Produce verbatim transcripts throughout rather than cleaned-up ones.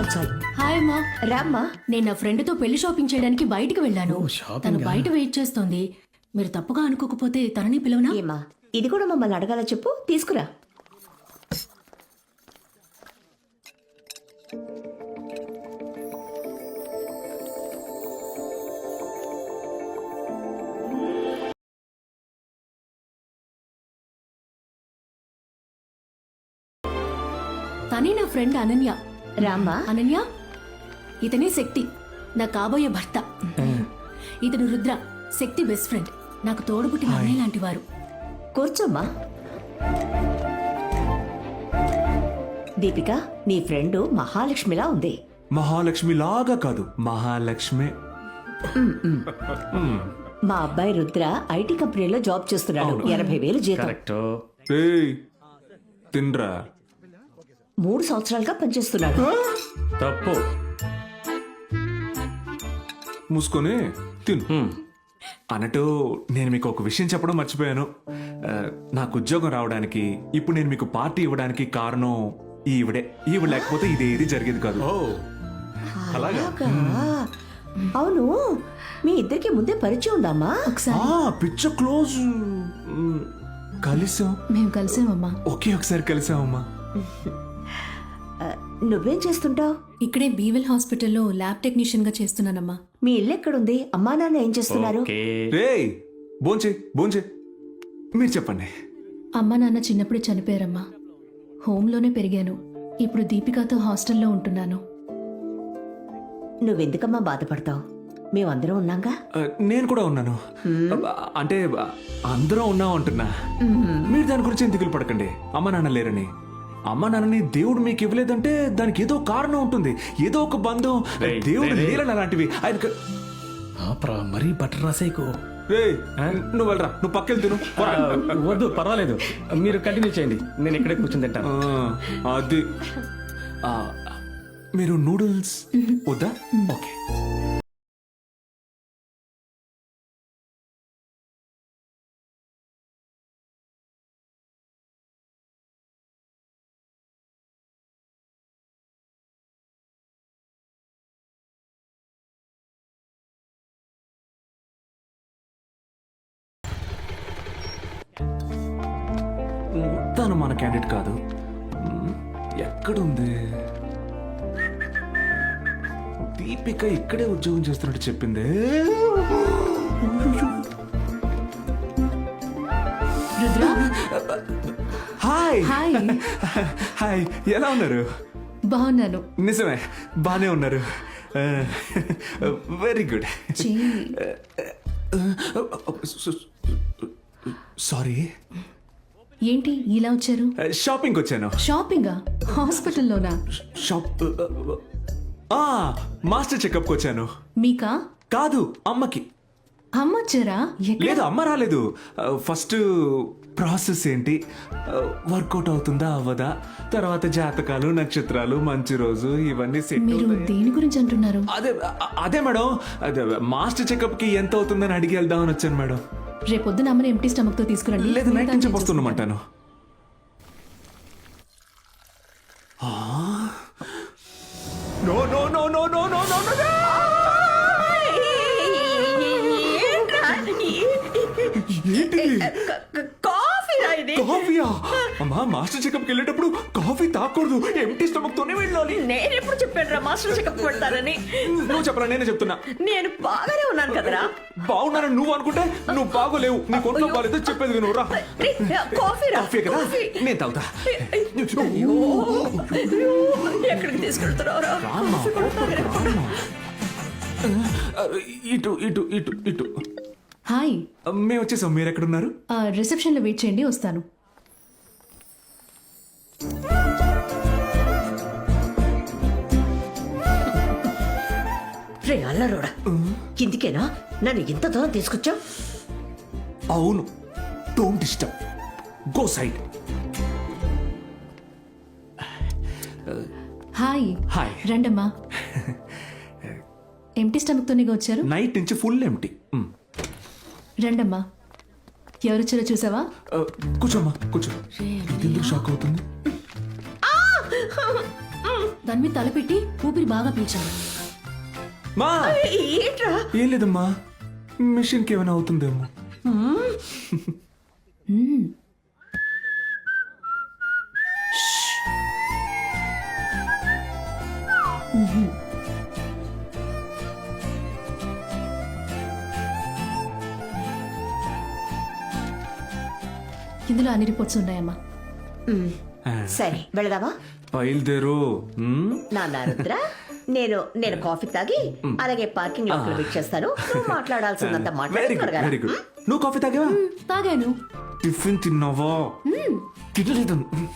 చాలు. హాయ్ అమ్మా. రామ్మా. నేను నా ఫ్రెండ్ తో పెళ్లి షాపింగ్ చేయడానికి బయటికి వెళ్ళాను. ఓ, షాపింగా? తను బయట వెయిట్ చేస్తోంది. మీరు తప్పుగా అనుకోకపోతే తనని పిలవనా? ఏమా ఇది కూడా మమ్మల్ని అడగాల, చెప్పు, తీసుకురా. తనే నా ఫ్రెండ్ అనన్య. రామ్మా. అనన్య, ఇతనే శక్తి, నా కాబోయే భర్త. ఇతను రుద్ర, శక్తి బెస్ట్ ఫ్రెండ్, నాకు తోడుపుట్టిన అన్నయ్య లాంటి వారు. కూర్చోమ్మా. దీపిక, నీ ఫ్రెండ్ మహాలక్ష్మిలా ఉంది. మహాలక్ష్మి లాగా కాదు, మహాలక్ష్మి. మా అబ్బాయి రుద్ర ఐటీ కంపెనీలో జాబ్ చేస్తున్నాడు. ఎనభై వేలు జీతం. కరెక్ట్. ఏయ్, తిన్రా. మూడు సంవత్సరాలుగా పనిచేస్తున్నాడు. తప్పు. మూసుకొని తిను. అన్నట్టు నేను మీకు ఒక విషయం చెప్పడం మర్చిపోయాను. ఆ, నాకు ఉద్యోగం రావడానికి, ఇప్పుడు నేను మీకు పార్టీ ఇవ్వడానికి కారణం ఈవిడే. ఈవిడ లేకపోతే ఇదేది జరిగేది కాదు. అలాగా? అవును, మీ ఇద్దరికి ముందే పరిచయం ఉందమ్మా? ఒకసారి ఆ, పిచ్చ క్లోజ్. మ్, కలిసాం. మేము కలిసామమ్మా. ఒకే ఒకసారి కలిసామమ్మా. నువ్వేం చేస్తుంటావు? ఇక్కడే బీవెల్ హాస్పిటల్లో ల్యాబ్ టెక్నీషియన్ గా చేస్తున్నానమ్మా. మీ ఇల్లు ఎక్కడుంది? అమ్మా నాన్న ఏం చేస్తున్నారు? ఓకే. రేయ్, భోంచే భోంచే. మీరు చెప్పండి. అమ్మ నాన్న చిన్నప్పుడే చనిపోయారమ్మా. హోంలోనే పెరిగాను. ఇప్పుడు దీపికాతో హాస్టల్లో ఉంటున్నాను. నువ్వెందుకమ్మా బాధపడతావు? మేమందరం ఉన్నాగా. ఆ, నేను కూడా ఉన్నాను. అంటే అందరం ఉన్నాం అంటున్నా. మీరు దాని గురించి ఏం దిగులు పడకండి. అమ్మ నాన్న లేరని. అమ్మ నాన్నని దేవుడు మీకు ఇవ్వలేదంటే దానికి ఏదో కారణం ఉంటుంది, ఏదో ఒక బంధం. రేయ్, దేవుడు రేయ్, లేరని అలాంటివి ఆయనకు. ఆప్రా, మరీ బటర్ రాసేకు. రేయ్, నువ్వు వెళ్ళరా, నువ్వు పక్కెళ్ళి తిను. పోరా. వద్దు, పర్వాలేదు, మీరు కంటిన్యూ చేయండి, నేను ఇక్కడే కూర్చొని తింటాను. ఆ, అది ఆ, మీరు నూడిల్స్ వద్దా? ఓకే. తను మన క్యాండిడేట్ కాదు. మ్, ఎక్కడుంది? దీపిక ఇక్కడే ఉద్యోగం చేస్తున్నట్టు చెప్పింది. Rudra, hi hi. హాయ్, ఎలా ఉన్నారు? బాగున్నాను. నిజమే, బానే ఉన్నారు. Very good. చీ, సారీ, ఏంటి ఇలా వచ్చారు? షాపింగ్ వచ్చాను. షాపింగా? హాస్పిటల్లోనా? షాప్ ఆ, మాస్టర్ చెకప్కి వచ్చాను. మీకా? కాదు, అమ్మకి. అమ్మ వచ్చారా? ఎక్కడ? లేదు, అమ్మ రాలేదు. ఫస్ట్ ప్రాసెస్ ఏంటి, వర్కౌట్ అవుతుందా అవ్వదా, తర్వాత జాతకాలు, నక్షత్రాలు, మంచి రోజు, ఇవన్నీ సెట్. మీరు దేని గురించి అంటున్నారు? అదే అదే మేడం, అదే మాస్టర్ చెకప్ కి ఎంత అవుతుందని అడిగి వెళ్దామని వచ్చాను మేడం. రేపొద్దున అమ్మని ఎంటీ స్టమక్ తో తీసుకురండి. లేదు, నైట్ నుంచి వస్తున్నామంటాను. No no no no no no no no. కాఫీయా? అమ్మా, మాస్టర్ చెకప్ కి వెళ్ళేటప్పుడు కాఫీ తాకూడదు, ఎంటీ స్టమక్ తోనే వెళ్ళాలి. నేను ఎప్పుడు చెప్పాను రా మాస్టర్ చెకప్ పెడతానని? నువ్వు చెప్పరా, నేనే చెప్తున్నా. నేను బాగానే ఉన్నాను కదరా. బాగున్నానని నువ్వు అనుకుంటే నువ్వు బాగోలేవు. నీ కొంట్లో బాగాలేదు, చెప్పేది విను రా. కాఫీ రా. కాఫీ కదా, నేను తాగుతా. ఎక్కడికి తీసుకెళ్తున్నావురా? రామ్మా, రామ్మా. ఇటు ఇటు ఇటు ఇటు. హాయ్. మేము వచ్చేసాం, మీరు ఎక్కడున్నారు? రిసెప్షన్ లో వెయిట్ చేయండి, వస్తాను. రే అల్లరోడా, కిందికేనా నన్ను ఇంత దూరం తీసుకొచ్చావు? అవును, don't disturb, go side. Hi. Hi. రండమ్మా. ఎంటీ స్టమక్ తోనేగా వచ్చారు? నైట్ నుంచి ఫుల్ ఎంటీ. రండమ్మా. ఎవరొచ్చారో చూసావా? కూర్చోమ్మా, కూర్చో. ఎందుకు షాక్ అవుతుంది? తన మీద తలపెట్టి ఊపిరి బాగా పీల్చాను. మా ఏంట్రా ఏం లేదమ్మా, మిషన్కి ఏమైనా అవుతుందేమో. ఇందులో అన్ని రిపోర్ట్స్ ఉన్నాయమ్మా. సరే వెళదామా? బయలుదేరు. మ్? నాన్న రుద్ర, నేను నేను కాఫీ తాగి అలాగే పార్కింగ్ లో వెయిట్ చేస్తాను. నువ్వు మాట్లాడాల్సిందంత వెరీ మాట్లాడి గుడ్, త్వరగా రా. Very good. నువ్వు కాఫీ తాగావా? తాగాను. టిఫిన్ తిన్నావా? తినలేదు.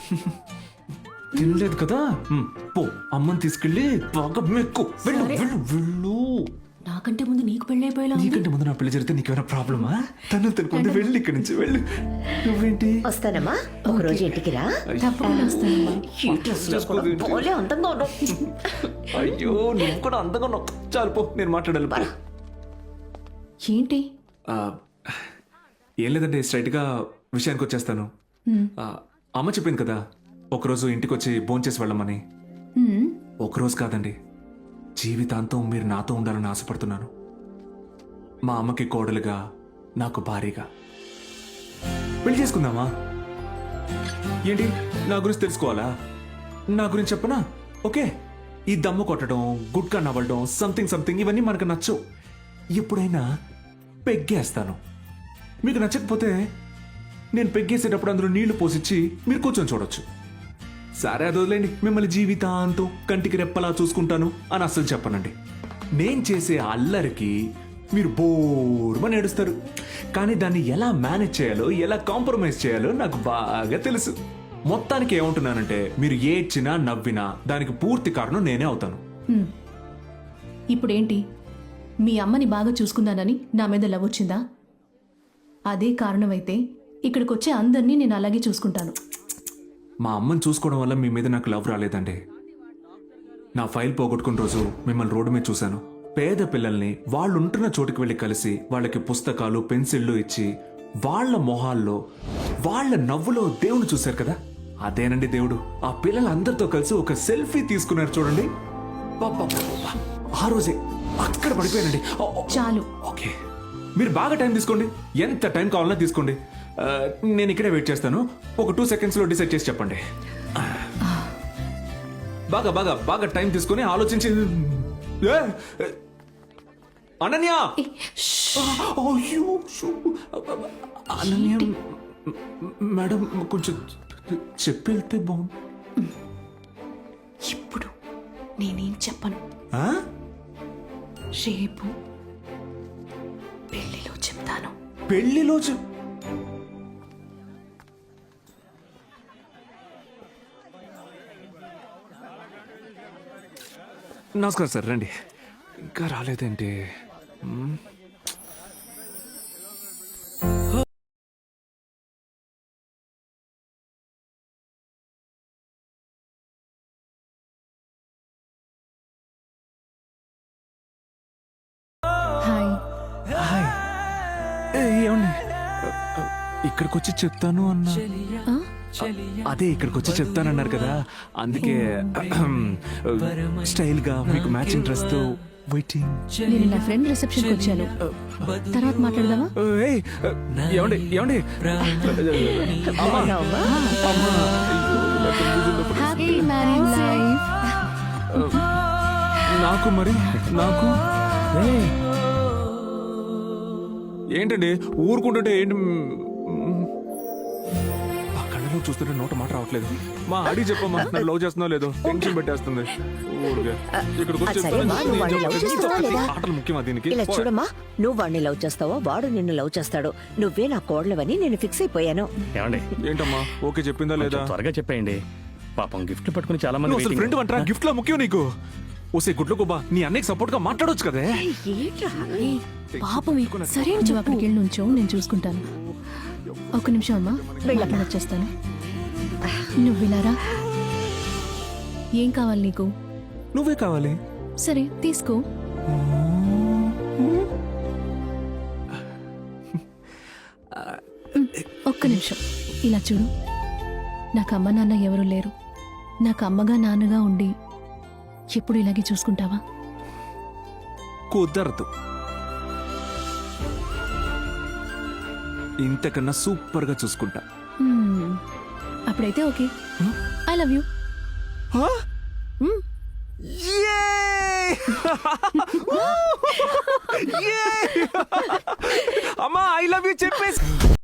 తినలేదు కదా. మ్, పో అమ్మని తీసుకెళ్ళి బాగా మెక్కు. వెళ్ళు సరే. వెళ్ళు వెళ్ళు. నాకంటే ముందు నీకు పెళ్ళైపోయేలా ఉంది. నీకంటే ముందు నా పెళ్లి జరిగితే నీకేమైనా ప్రాబ్లమా? తను తనకుంది, వెళ్ళి ఇక్కడి నుంచి వెళ్ళు. నువ్వేంటి వస్తానమ్మా, ఒక రోజు ఇంటికి రా. తప్పకుండా వస్తానమ్మా. ఈ డ్రెస్ లో కూడా భలే అందంగా ఉన్నావు. అయ్యో నువ్వు కూడా అందంగా ఉన్నావు. చాలు పో, నేను మాట్లాడాలి. పో. ఏంటి? ఆ, ఏం లేదండి, స్ట్రైట్ గా విషయానికి వచ్చేస్తాను. ఆ, అమ్మ చెప్పింది కదా ఒకరోజు ఇంటికి వచ్చి భోంచేసి వెళ్ళమని. హ్మ్. ఒకరోజు కాదండి, జీవితాంతం మీరు నాతో ఉండాలని ఆశపడుతున్నాను. మా అమ్మకి కోడలుగా, నాకు భారీగా. పెళ్లి చేసుకుందామా? ఏంటి, నా గురించి తెలుసుకోవాలా? నా గురించి చెప్పనా? ఓకే, ఈ దమ్ము కొట్టడం, గుడ్కా నవ్వడం, సంథింగ్ సంథింగ్ ఇవన్నీ మనకు నచ్చవు. ఎప్పుడైనా పెగ్గేస్తాను. మీకు నచ్చకపోతే నేను పెగ్గేసేటప్పుడు అందులో నీళ్లు పోసిచ్చి మీరు కూర్చొని చూడొచ్చు. సరే అది వదిలేండి, మిమ్మల్ని జీవితాంతం కంటికి రెప్పలా చూసుకుంటాను అని అస్సలు చెప్పనండి. నేను చేసే అల్లరికి మీరు బోర్మని ఏడుస్తారు, కానీ దాన్ని ఎలా మేనేజ్ చేయాలో, ఎలా కాంప్రమైజ్ చేయాలో నాకు బాగా తెలుసు. మొత్తానికి ఏమంటున్నానంటే, మీరు ఏడ్చినా నవ్వినా దానికి పూర్తి కారణం నేనే అవుతాను. హ్మ్. ఇప్పుడేంటి, మీ అమ్మని బాగా చూసుకున్నానని నా మీద లవ్ వచ్చిందా? అదే కారణమైతే ఇక్కడికొచ్చే అందరినీ నేను అలాగే చూసుకుంటాను. మా అమ్మని చూసుకోవడం వల్ల మీ మీద నాకు లవ్ రాలేదండి. నా ఫైల్ పోగొట్టుకున్న రోజు మిమ్మల్ని రోడ్డు మీద చూశాను. పేద పిల్లల్ని వాళ్ళు ఉంటున్న చోటుకి వెళ్ళి కలిసి వాళ్ళకి పుస్తకాలు, పెన్సిళ్ళు ఇచ్చి వాళ్ళ మొహాల్లో, వాళ్ళ నవ్వులో దేవుని చూశారు కదా, అదేనండి దేవుడు. ఆ పిల్లలందరితో కలిసి ఒక సెల్ఫీ తీసుకున్నారు చూడండి. పాపాపాపా. ఆ రోజే అక్కడ పడిపోయానండి. ఓ, ఓ, చాలు. ఓకే, మీరు బాగా టైం తీసుకోండి, ఎంత టైం కావాలన్నా తీసుకోండి. ఆ, నేను ఇక్కడే వెయిట్ చేస్తాను. ఒక టూ సెకండ్స్ లో డిసైడ్ చేసి చెప్పండి. బాగా బాగా బాగా టైం తీసుకొని ఆలోచించి. ఏ, అనన్య! అయ్యో, షూ. అనన్య మేడం, కొంచెం చెప్పి వెళ్తే బాగుంది. ఇప్పుడు నేనేం చెప్పను. ఆ? రేపు పెళ్లిలో చెప్తాను. పెళ్లిలో చె- నమస్కారం సార్, రండి. ఇంకా రాలేదేంటి? మ్మ్. హాయ్. హాయ్. ఏ, ఏమండి, ఇక్కడికి వచ్చి చెప్తాను అన్నా. ఆ? అదే ఇక్కడికి వచ్చి చెప్తానన్నారు కదా, అందుకే స్టైల్ గా మీకు మ్యాచింగ్ డ్రెస్ తో వెయిటింగ్. నేను నా ఫ్రెండ్ రిసెప్షన్కి వచ్చాను. తర్వాత మాట్లాడదామా? ఏయ్, ఏమండి ఏమండి బాగున్నావమ్మా? Happy married life. నాకు మరి నాకు ఏయ్, ఏంటండి ఊరుకుంటుంటే ఏంటి? ఆ కళ్ళలో చూస్తుంటే నోట మాట రావట్లేదు. మా అడిగి చెప్పమ్మా, నన్ను లవ్ చేస్తున్నా లేదో టెన్షన్ పెట్టేస్తుంది. ఊరికే ఇక్కడికి వచ్చి సరే అమ్మా, నువ్వు వాడిని లవ్ చేస్తావా లేదా? చెప్తాను. ఆటలు ముఖ్యమా దీనికి? ఇలా చూడమ్మా, నువ్వు వాడిని లవ్ చేస్తావో వాడు నిన్ను లవ్ చేస్తాడు. నువ్వే నా కోడలవని నేను ఫిక్స్ అయిపోయాను. ఏమండి ఏంటమ్మా, ఓకే చెప్పిందా లేదా? కొంచెం త్వరగా చెప్పేయండి. పాపం గిఫ్ట్ పట్టుకుని చాలా మంది నువ్వు అసలు waiting. ఫ్రెండ్ అంటారా? గిఫ్ట్ లా ముఖ్యం నీకు? ఓసే గుడ్లు గుబ్బా, నీ అన్నయ్యకి సపోర్ట్ గా మాట్లాడొచ్చు కదే. ఏంట్రా? పాపం సరే నువ్వు అక్కడికి వెళ్ళి నుంచో, నేను చూసుకుంటాను. ఒక నిమిషం అమ్మా, వెళ్ళొచ్చేస్తాను. నువ్వు వినారా? ఏం కావాలి నీకు? నువ్వే కావాలి. సరే తీసుకో. ఒక్క నిమిషం ఇలా చూడు. నాకు అమ్మ నాన్న ఎవరు లేరు. నాకు అమ్మగా నాన్నగా ఉండి ఎప్పుడు ఇలాగే చూసుకుంటావా? కుదరదు. ఇంతకన్నా సూపర్ గా చూసుకుంటా. Hmm. అప్పుడైతే ఓకే. I love you. అమ్మా ఐ లవ్ యూ చెప్పేసి